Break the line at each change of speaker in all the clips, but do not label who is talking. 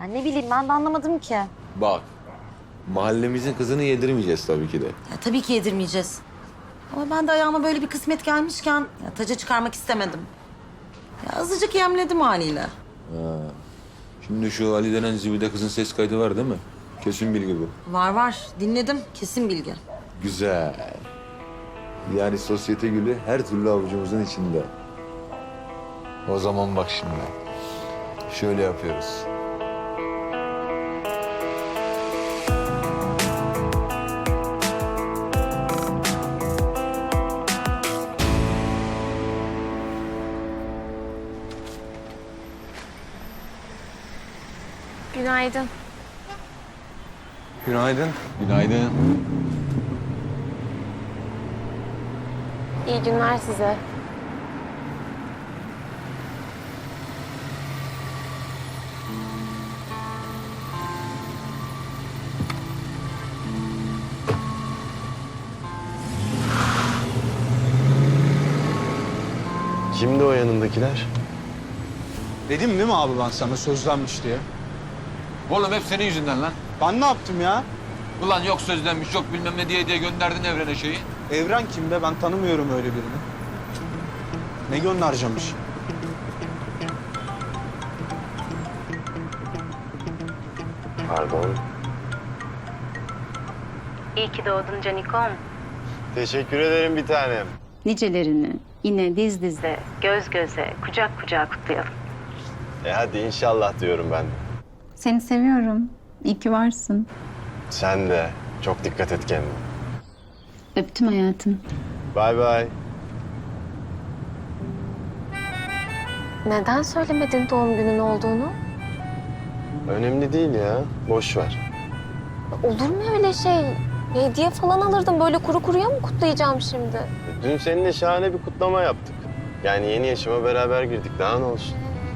ne bileyim ben de anlamadım ki.
Bak, mahallemizin kızını yedirmeyeceğiz tabii ki de.
Ya, tabii ki yedirmeyeceğiz. Ama ben de ayağıma böyle bir kısmet gelmişken ya, taca çıkarmak istemedim. Ya, azıcık yemledim haliyle.
Şimdi şu Ali denen zibide kızın ses kaydı var değil mi? Kesin bilgi bu.
Var dinledim, kesin bilgi.
Güzel. Yani sosyete gülü her türlü avucumuzun içinde. O zaman bak şimdi. Şöyle yapıyoruz.
Günaydın.
Günaydın. Günaydın.
İyi günler size.
Kimdi o yanındakiler?
Dedim değil mi abi ben sana sözlenmiş diye?
Oğlum hep senin yüzünden lan.
Ben ne yaptım ya?
Ulan yok sözlenmiş, yok bilmem ne diye gönderdin evrene şeyi.
Evren kim be? Ben tanımıyorum öyle birini. Ne göndereceğimmiş?
Pardon.
İyi ki doğdun Canikom.
Teşekkür ederim bir tanem.
Nicelerini yine diz dize, göz göze, kucak kucağa kutlayalım.
Hadi inşallah diyorum ben de.
Seni seviyorum. İyi ki varsın.
Sen de. Çok dikkat et kendine.
Öptüm hayatım.
Bay bay.
Neden söylemedin doğum günün olduğunu?
Önemli değil ya. Boş ver.
Olur mu öyle şey? Hediye falan alırdım. Böyle kuru kuruya mı kutlayacağım şimdi?
Dün seninle şahane bir kutlama yaptık. Yani yeni yaşıma beraber girdik. Daha ne olsun?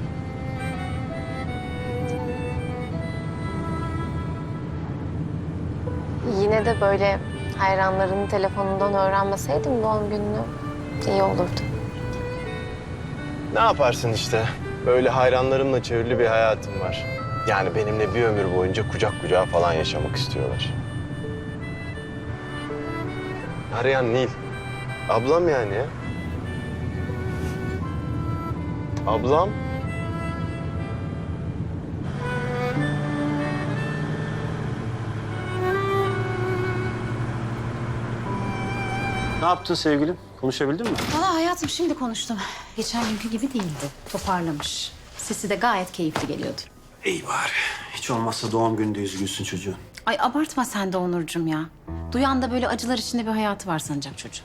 Yine de böyle hayranlarının telefonundan öğrenmeseydim doğum gününü iyi olurdu.
Ne yaparsın işte? Böyle hayranlarımla çevrili bir hayatım var. Yani benimle bir ömür boyunca kucak kucağa falan yaşamak istiyorlar. Arayan Nil. Ablam yani ya. Ablam.
Ne yaptın sevgilim? Konuşabildin mi?
Valla hayatım şimdi konuştum. Geçen günkü gibi değildi. Toparlamış. Sesi de gayet keyifli geliyordu.
İyi bari. Hiç olmazsa doğum gününde üzgünsün çocuğun.
Ay abartma sen de Onurcuğum ya. Duyan da böyle acılar içinde bir hayatı var sanacak çocuğun.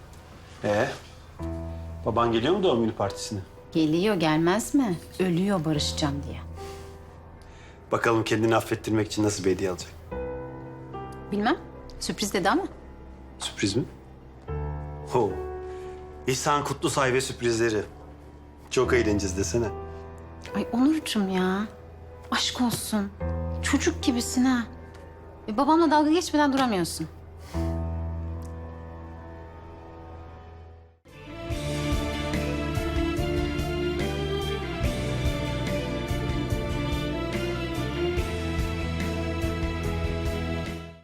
Baban geliyor mu doğum günü partisine?
Geliyor gelmez mi? Ölüyor barışacağım diye.
Bakalım kendini affettirmek için nasıl bir hediye alacak?
Bilmem. Sürpriz dedi ama.
Sürpriz mi? Ho. İhsan Kutlusay ve sürprizleri. Çok eğleneceğiz desene.
Ay Onurcuğum ya. Aşk olsun. Çocuk gibisin ha. Babamla dalga geçmeden duramıyorsun.